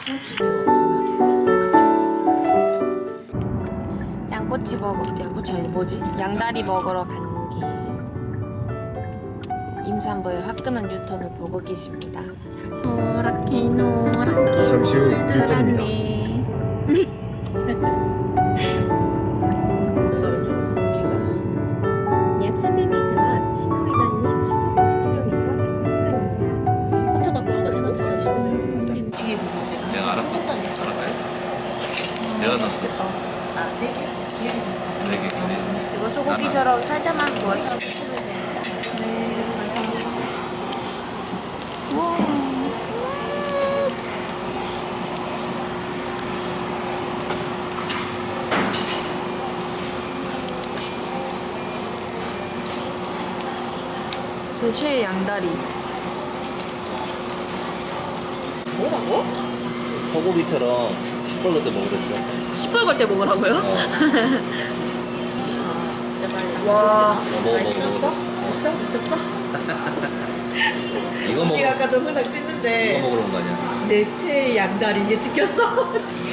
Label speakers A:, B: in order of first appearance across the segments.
A: 헤엄칠 데가 없잖아. 양꼬치 아니 뭐지? 양다리 먹으러 가는 길. 임산부의 화끈한 유턴을 보고 계십니다. 노랗게
B: 잠시 후
A: 들어갔네.
C: 약 300m 앞 신호위반 및 시속 50km 단속 구간입니다.
A: 커터가 그런 생각해서 지금 뒤에 보고
D: 내가 알아봐요? 내가 넣었어.
A: 아, 4개?
D: 네 개.
A: 이거 소고기처럼 살짝만 구워서 드시면 돼요. 네, 감사합니다. 우와. 제 최애 양다리. 뭐라고?
D: 소고기처럼 시뻘겋게 때 먹으랬죠.
A: 시뻘걸 때 먹으라고요? 진짜 빨라. 와.
D: 먹어.
E: 미쳤어? 미쳤어?
D: 이거 먹어.
E: 언니가 아까 동영상
D: 이거
E: 찍는데
D: 먹으러 온 거 아니야?
E: 내 최애 양다리 이게 찍혔어.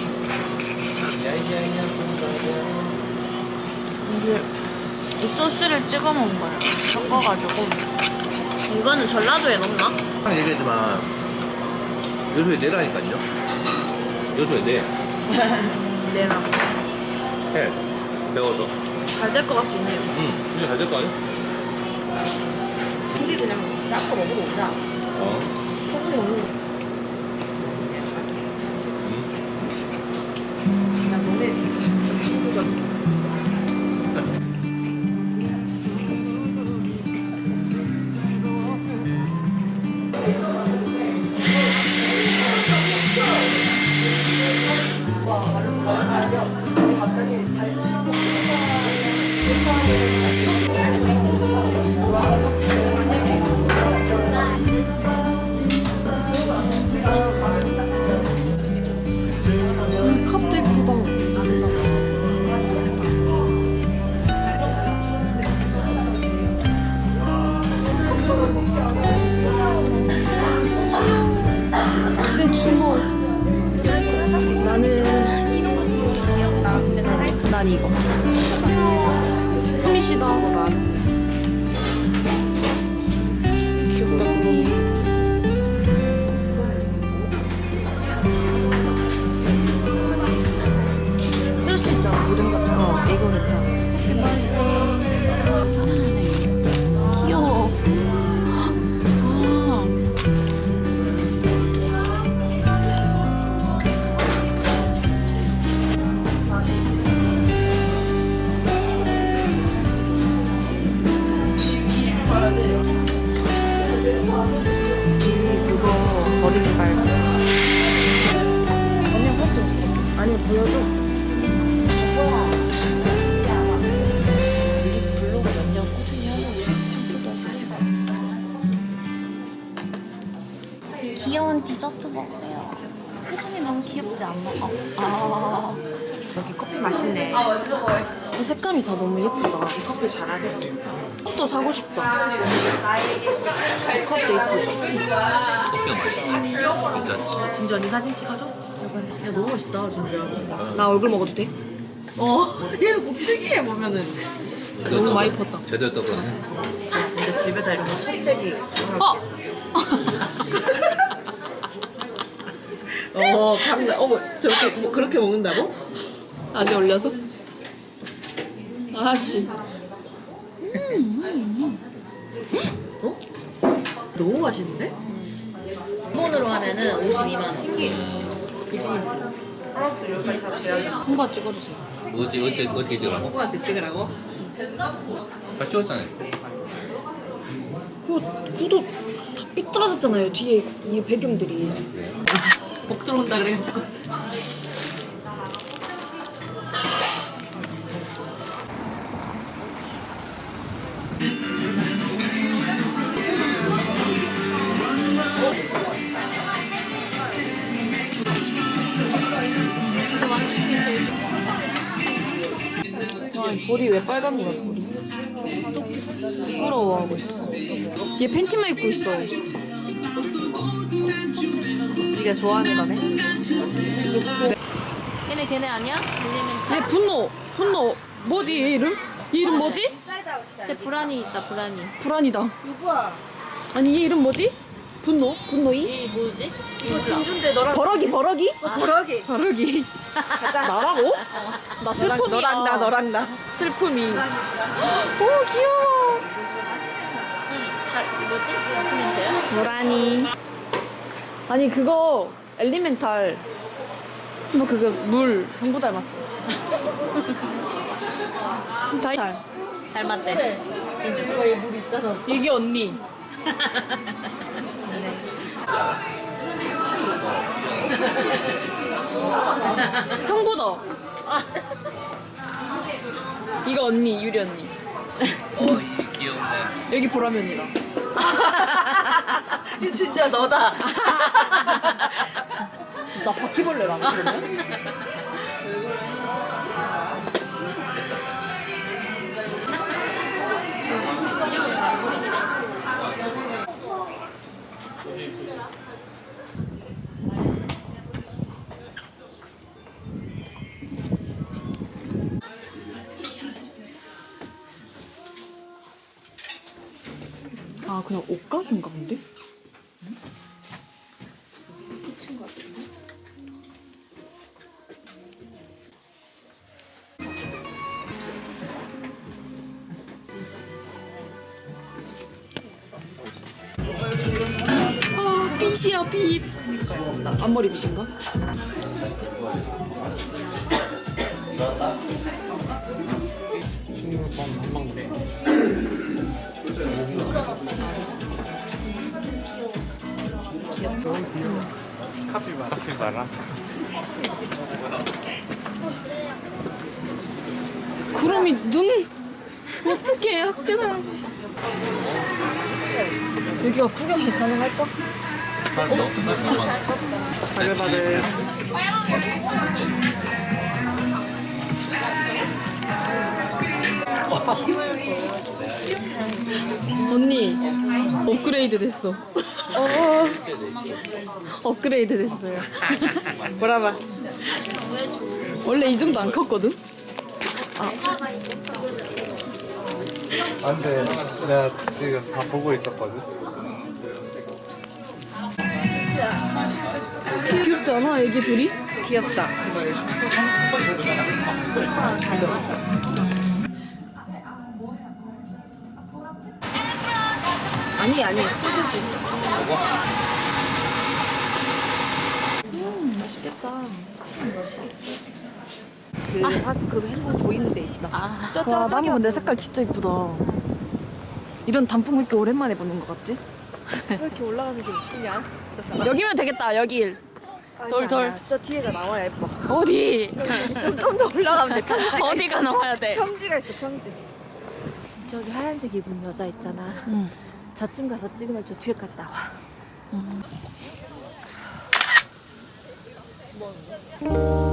A: 이게 이 소스를 찍어 먹은 거예요. 섞어가지고. 이거는 전라도에 넣나?
D: 항상 얘기했지만 요소에 내라니까요. 요소에 내.
A: 내랑.
D: 해. 매워서.
A: 잘 될 것 같긴 해요.
D: 이제 잘 될 거 아니야?
E: 우리 그냥 닦아 먹으러 오자. 소금 먹는 거. 그냥 너네 친구가
A: 컵도 예쁘다. 내 주먹. 나는 난 이거. 흠이시다. 귀엽다 그러니. 쓸 수 있잖아 이름 같은 거. 이거 괜찮아. 해피 버스데이. 사랑하네. 귀여워. 아. 그거 버리지 말고. 언니 사줘. 아니 보여줘. 우리 블로그 몇 년 꾸준히 하면 우리 청소도 할 수 있을 것 같아. 귀여운 디저트 먹어요. 표정이 너무 귀엽지 않나? 아.
E: 여기 커피 맛있네.
A: 이 색감이 다 너무 예쁘다.
E: 이 커피 잘하네.
A: 컵도 사고 싶다. 저 컵도 예쁘죠?
D: 커피가 맛있어. 진짜.
E: 진주 언니 사진 찍어줘? 야 너무 멋있다 진주야.
A: 나 얼굴 먹어도 돼?
E: 얘는 곱지기해 보면은.
A: 너무 많이 컸다.
D: 제대로 떴거든.
E: 근데 집에다 이런 거 컵백이. 감나. 어머 저렇게 뭐 그렇게 먹는다고?
A: 아직 올려서? 아씨.
E: 어? 너무 맛있는데?
F: 일본으로 하면은 52만 원.
A: 한번 찍어주세요.
D: 어떻게 찍으라고?
E: 누구한테 찍으라고?
D: 잘 찍었잖아요.
A: 구도 다 삐뚤어졌잖아요. 뒤에 이 배경들이.
E: 목 들어온다 그래가지고.
A: 볼이 왜 빨간 거야, 볼이? 부끄러워하고 있어. 얘 팬티만 입고 있어.
E: 네가 좋아하는 거네.
A: 걔네 아니야?
E: 얘 분노. 뭐지 얘 이름? 얘 이름 뭐지?
A: 쟤 불안이 있다 불안이.
E: 불안이다. 아니 얘 이름 뭐지? 분노이?
A: 이 뭐지?
E: 이거 진주인데 너랑 버럭이. 버럭이. 나라고? 나 슬픔이야. 너랑 나. 슬픔이. 오 귀여워.
A: 뭐지? 무슨 냄새야?
E: 노란이. 아니 그거 엘리멘탈. 뭐 그거 물 형부 닮았어. 달.
A: 닮았대. 진주.
E: 이게 언니. 형보다. 이거 언니 유리 언니.
D: 이 귀엽네.
E: 여기 보라면 언니랑.
F: 진짜 너다.
E: 나 바퀴벌레랑 그러네. 아 그냥 옷가게인가 본데?
A: 미친 것 같은데?
E: 아 빛이야 빛. 나 앞머리 빛인가?
B: 카피바라.
E: 구름이 눈 어떻게 학교에서 여기가 구경이 가능할까? 바글바글. 언니 업그레이드 됐어. 업그레이드 됐어요.
F: 뭐라봐.
E: 원래 이 정도 안 컸거든?
B: 안돼, 내가 지금 다 보고 있었거든.
E: 귀엽지 않아 애기 둘이?
F: 귀엽다.
E: 아니 소세지. 맛있겠다.
F: 그 행복 보이는 데 있어.
E: 와 나무 근데 색깔 진짜 이쁘다. 이런 단풍 왜 이렇게 오랜만에 보는 것 같지?
F: 왜 이렇게 올라가는 게 이쁘냐?
E: 여기면 되겠다 여기. 돌.
F: 저 뒤에가 나와야 예뻐.
E: 어디?
F: 좀 더 올라가면 돼. 평지.
E: 어디가 나와야 돼?
F: 평지가 있어. 평지.
A: 저기 하얀색 입은 여자 있잖아.
E: 응.
A: 저쯤 가서 찍으면 저 뒤에까지 나와.
E: 음.